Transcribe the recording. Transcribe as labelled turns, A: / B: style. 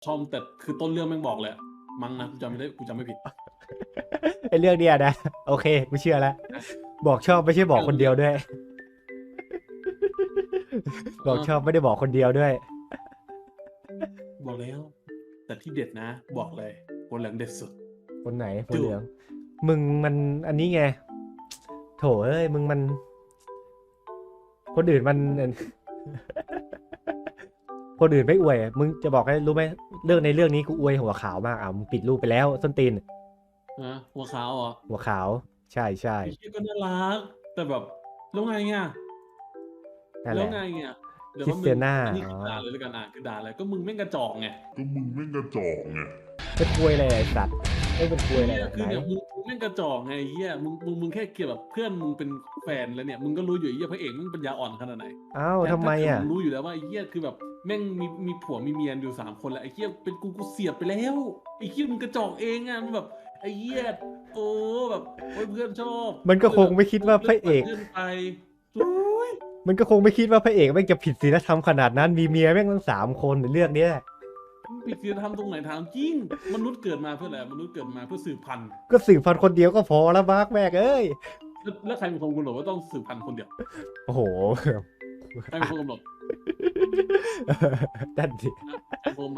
A: ชอบแต่คือต้นเรื่องแม่งบอกเลยมั้งนะกูจำไม่ผิด
B: ไอเรื่องเนี้ยนะโอเคกูเชื่อแล้วบอกชอบไม่ใช่บอกคนเดียวด้วยบอกชอบไม่ได้บอกคนเดียวด้วย
A: บอกแล้วแต่ที่เด็ดนะบอกเลยคนเหลืองเด็ดสุด
B: คนไหนคนเหลืองมึงมันอันนี้ไงโถเอ้ยมึงมันคนอื่นมันคนอื่นไม่อวยมึงจะบอกให้รู้ไหมเรื่องในเรื่องนี้กูอวยหัวขาวมากมึงปิดรูปไปแล้วส้นตีน
A: นะหัวขาวเหรอ
B: หัวขาวใช่ใช่
A: ไอ้เหี้ยก็น่ารักแต่แบบแล้วไงอ่ะ
B: นั่นแหละ
A: แล้วไงอ่ะเดี๋ยว
B: คริ
A: ว่ามึง
B: สเตียน่า
A: อันนี้
B: อ๋อ
A: คือด่าเลยแล้วกันคือด่าเลยก็มึงแม่งกระจอกไง
B: เป็นควยอะไรไอ้สัตว์ไม่เป็นควยอะไร
A: เฮีย
B: แบบไหน
A: คือเนี่ยมึงแม่งกระจอกไงเฮียมึงแค่เกลียดแบบเพื่อนมึงเป็นแฟนแล้วเนี่ยมึงก็รู้อยู่ไอ้เฮียพระเอกมึงปัญญาอ่อนขนาดไหน
B: อ้าวทำไม
A: ถ้าเกิด
B: อ่ะ
A: มึงรู้อยู่แล้วว่าไอ้เฮียคือแบบแม่งมีผัวมีเมียอยู่3 คนแล้วไอ้เฮียเป็นกูเสียบไปแล้วไอ้เฮียมึงกระจอกเองอ่ะมึงแบบไอ้เฮียโอ้แบบโอ้ยเพื่อนชอบ
B: มันก็คงไม่คิดว่าพ
A: เลือกปัด
B: ระเอก
A: เพื่อนไปโอ้ย
B: มันก็คงไม่คิดว่าพระเอกแม่งจะผิดศีลธรรมขนาดนั้นมีเมียแม่งตั้ง3 คนในเรื่องเนี้ย
A: มึงผิดศีลธรรมตรงไหนถามจริงมนุษย์เกิดมาเพื่ออะไรมนุษย์เกิดมาเพื่อสืบพันธุ์
B: ก็สืบพันธุ์คนเดียวก็พอแล้วมาร์กแม่งเอ้ย
A: แล้วใครเป็นคนกำหนดว่าต้องสืบพันธุ์คนเดียว
B: โอ้โห
A: ใครเป็นคนกำหนด
B: นั่นดิ
A: ใครเป็นคน